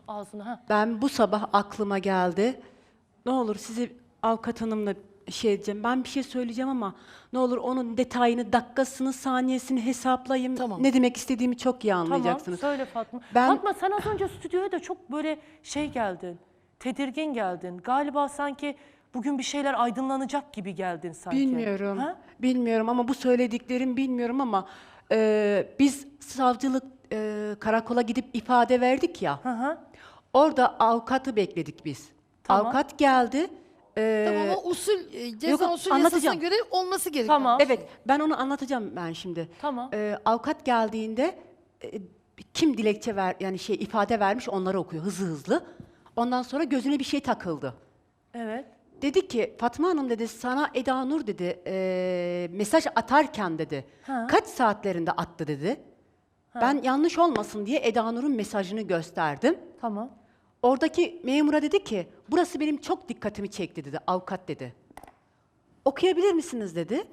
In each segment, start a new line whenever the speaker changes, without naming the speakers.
ağzına. Ha.
Ben bu sabah aklıma geldi. Ne olur sizi avukat hanımla şey edeceğim. Ben bir şey söyleyeceğim ama ne olur onun detayını, dakikasını, saniyesini hesaplayayım.
Tamam.
Ne demek istediğimi çok iyi anlayacaksınız.
Tamam, söyle Fatma.
Ben-
Fatma sen az önce stüdyoya da çok böyle şey geldin. Tedirgin geldin. Galiba sanki bugün bir şeyler aydınlanacak gibi geldin sanki.
Bilmiyorum.
Ha?
Bilmiyorum ama bu söylediklerim bilmiyorum ama biz savcılık karakola gidip ifade verdik ya.
Hı hı.
Orada avukatı bekledik biz.
Tamam.
Avukat geldi.
Tamam ama usul, ceza
Yok,
usul
anlatacağım.
yasasına göre olması gerekiyor.
Tamam.
Evet, ben onu anlatacağım ben şimdi.
Tamam.
Avukat geldiğinde kim dilekçe yani ifade vermiş onları okuyor hızlı hızlı. Ondan sonra gözüne bir şey takıldı.
Evet.
Dedi ki Fatma Hanım dedi sana Eda Nur dedi mesaj atarken dedi
Ha.
kaç saatlerinde attı dedi. Ben yanlış olmasın diye Eda Nur'un mesajını gösterdim.
Tamam.
Oradaki memura dedi ki burası benim çok dikkatimi çekti dedi avukat dedi. Okuyabilir misiniz dedi.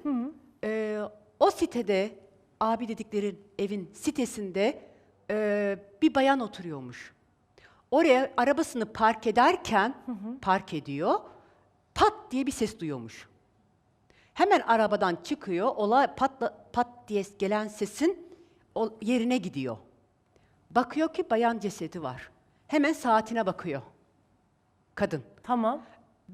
O sitede abi dedikleri evin sitesinde bir bayan oturuyormuş. Oraya arabasını park ederken park ediyor. Pat diye bir ses duyuyormuş. Hemen arabadan çıkıyor. Olay pat diye gelen sesin yerine gidiyor. Bakıyor ki bayan cesedi var. Hemen saatine bakıyor. Kadın.
Tamam.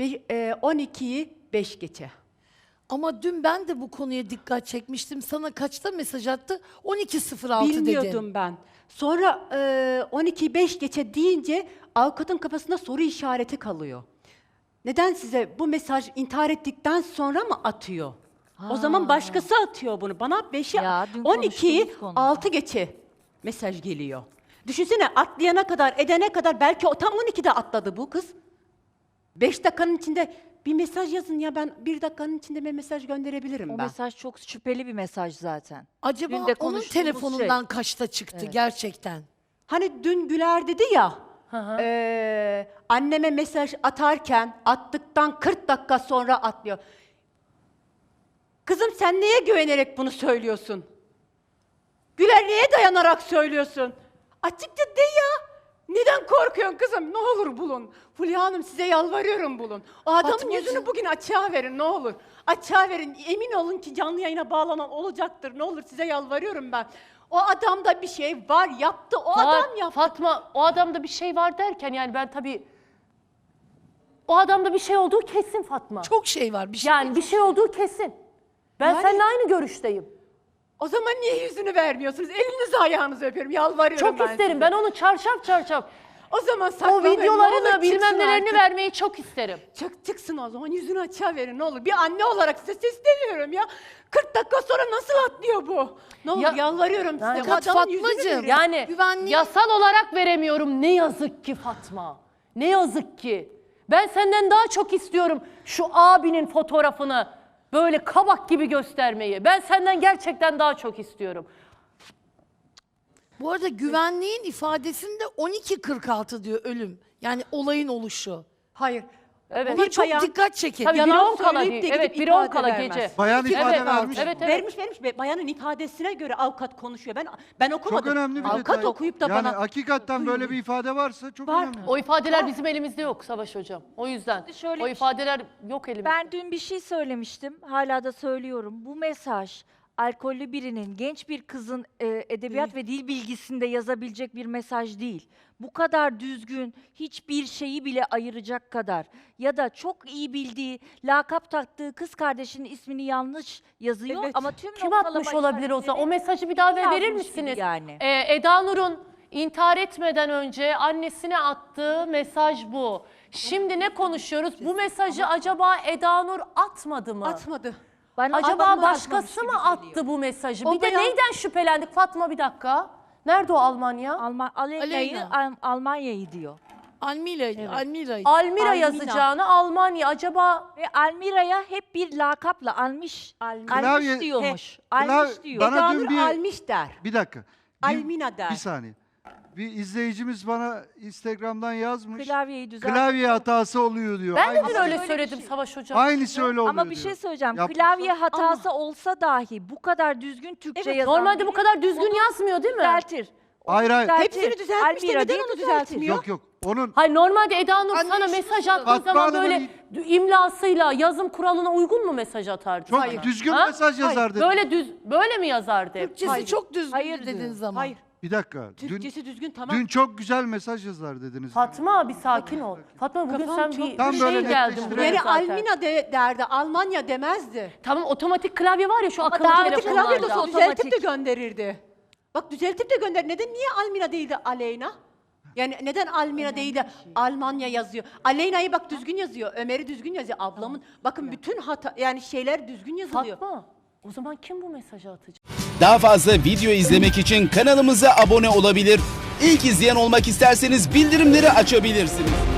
12'yi 5 geçe.
Ama dün ben de bu konuya dikkat çekmiştim. Sana kaçta mesaj attı? 12.06 dedin.
Bilmiyordum ben. Sonra 12'yi 5 geçe deyince avukatın kafasında soru işareti kalıyor. Neden size bu mesaj intihar ettikten sonra mı atıyor? O zaman başkası atıyor bunu. Bana 5'i
Ya, dün
12'yi
konuştuğumuz konu.
6 geçe mesaj geliyor. Düşünsene atlayana kadar, edene kadar belki o tam 12'de atladı bu kız. 5 dakikanın içinde bir mesaj yazın ya ben 1 dakikanın içinde bir mesaj gönderebilirim
O
ben.
mesaj çok şüpheli bir mesaj zaten.
Acaba
Dün de
onun
konuştuğumuz
telefonundan
şey.
kaçta çıktı
Evet.
gerçekten?
Hani dün Güler dedi ya,
hı.
Anneme mesaj atarken attıktan 40 dakika sonra atlıyor. Kızım sen neye güvenerek bunu söylüyorsun? Güler neye dayanarak söylüyorsun? Açıkça de ya. Neden korkuyorsun kızım? Ne olur bulun. Fulya Hanım size yalvarıyorum bulun. O adamın
Fatmacığım.
yüzünü bugün açığa verin ne olur. Açığa verin. Emin olun ki canlı yayına bağlanan olacaktır. Ne olur size yalvarıyorum ben. O adamda bir şey var yaptı. O adam yaptı.
Fatma o adamda bir şey var derken yani ben tabii o adamda bir şey olduğu kesin Fatma.
Çok şey var. Bir şey
Yani bir şey olduğu kesin. Ben
Yani-
seninle aynı görüşteyim.
O zaman niye yüzünü vermiyorsunuz? Elinizi ayağınızı öpüyorum. Yalvarıyorum
Çok
ben
isterim.
size.
Ben onu çarşaf.
O zaman
O
saklamayın. Ne olur
videolarını bilmem
çıksın
nelerini
artık.
vermeyi çok isterim.
Çıksın o zaman yüzünü açığa verin ne olur. Bir anne olarak size sesleniyorum ya. 40 dakika sonra nasıl atlıyor bu? Ne olur
Ya-
yalvarıyorum size.
Yani-
O
Fakat
adamın yüzünü
Fatmacığım,
verin.
Yani
Güvenliği-
yasal olarak veremiyorum. Ne yazık ki Fatma. Ne yazık ki. Ben senden daha çok istiyorum şu abinin fotoğrafını böyle kabak gibi göstermeyi. Ben senden gerçekten daha çok istiyorum.
Bu arada güvenliğin ifadesinde 12.46 diyor ölüm. Yani olayın oluşu.
Hayır.
Evet.
Ona
Bir
çok
bayan-
dikkat çekin.
Tabii
Yalan
1.10 kala
söyleyip
değil.
de
Evet
gidip
1.10
ifade
kala
vermez.
gece.
Bayan ifade
Evet,
vermiş.
evet.
Vermiş. Bayanın ifadesine göre avukat konuşuyor. Ben okumadım.
Çok önemli bir
avukat
detay.
okuyup da
yani
bana...
hakikaten böyle bir ifade varsa çok
Var.
önemli.
O ifadeler bizim elimizde yok Savaş Hocam. O yüzden
Şöyle
o
bir şey-
ifadeler yok elimizde.
Ben dün bir şey söylemiştim, hala da söylüyorum. Bu mesaj alkollü birinin, genç bir kızın edebiyat ve dil bilgisinde yazabilecek bir mesaj değil. Bu kadar düzgün, hiçbir şeyi bile ayıracak kadar ya da çok iyi bildiği, lakap taktığı kız kardeşinin ismini yanlış yazıyor
Evet.
ama tüm
Kim
noktalama
atmış olabilir o zaman? O
işaretleri
mesajı bir daha verir
yazmış gibi
misiniz?
yani.
Eda Nur'un intihar etmeden önce annesine attığı mesaj bu. Şimdi ne konuşuyoruz? Bu mesajı acaba Eda Nur atmadı mı?
Atmadı.
Bana
Acaba
adamı
başkası
atmamış
mı
gibi
attı
geliyor.
bu mesajı?
O
Bir de
bayan-
neyden şüphelendik Fatma bir dakika? Nerede o Almanya?
Almanya'yı diyor.
Almira.
Almira
Almina.
yazacağını Almanya. Acaba
Ve Almira'ya hep bir lakapla almış
Klavye-
diyormuş.
Klavye-
Almış diyor.
Bana
Eda
dün
Nur
bir-
almış der.
Bir dakika.
Almina der.
Bir saniye. Bir izleyicimiz bana Instagram'dan yazmış.
Klavyeyi düzelt.
Klavye hatası oluyor diyor.
ben de dün
Aynısı-
öyle
öyle bir
söyledim
şey.
Savaş Hocam.
Aynısı öyle oluyor
Ama bir şey
diyor.
söyleyeceğim.
Yapmışlar.
Klavye hatası olsa dahi bu kadar düzgün Türkçe yazan
Normalde bu
biri
kadar düzgün yazmıyor değil mi?
düzeltir.
Hayır hayır.
Düzeltin.
Hepsini düzeltmiş de
Almira
neden
değil,
onu
düzeltin.
düzeltmiyor?
Yok yok. Onun
Hayır normalde Eda Nur
Anne,
sana
şunu
mesaj
soralım.
attığı
Fatma
zaman
Hanım'ın
böyle imlasıyla yazım kuralına uygun mu mesaj atardı
çok
sana?
düzgün
Ha?
mesaj yazardı.
Böyle mi yazardı hep?
Türkçesi çok düzgün
Hayır
dediğin
diyor.
zaman.
Hayır.
Bir dakika.
Türkçesi düzgün tamam.
Dün çok güzel mesaj yazar dediniz.
Fatma bir sakin ol. Fatma bugün
Kafam
sen bir
çok-
Tam böyle
şey geldin
netleştirelim.
buraya
Yani
zaten.
Almina derdi, Almanya demezdi.
Tamam otomatik klavye var ya şu akıllı
daha
Otomatik
telefonlarda.
klavye de
Otomatik.
düzeltip de gönderirdi. Bak düzeltip de gönder. Neden niye Almina değil de Aleyna? Yani neden Almina değil de Almanya yazıyor? Aleyna'yı bak düzgün yazıyor. Ömer'i düzgün yazıyor. Ablamın bakın bütün hata yani şeyler düzgün yazılıyor.
Fatma o zaman kim bu mesajı atacak?
Daha fazla video izlemek için kanalımıza abone olabilir. İlk izleyen olmak isterseniz bildirimleri açabilirsiniz.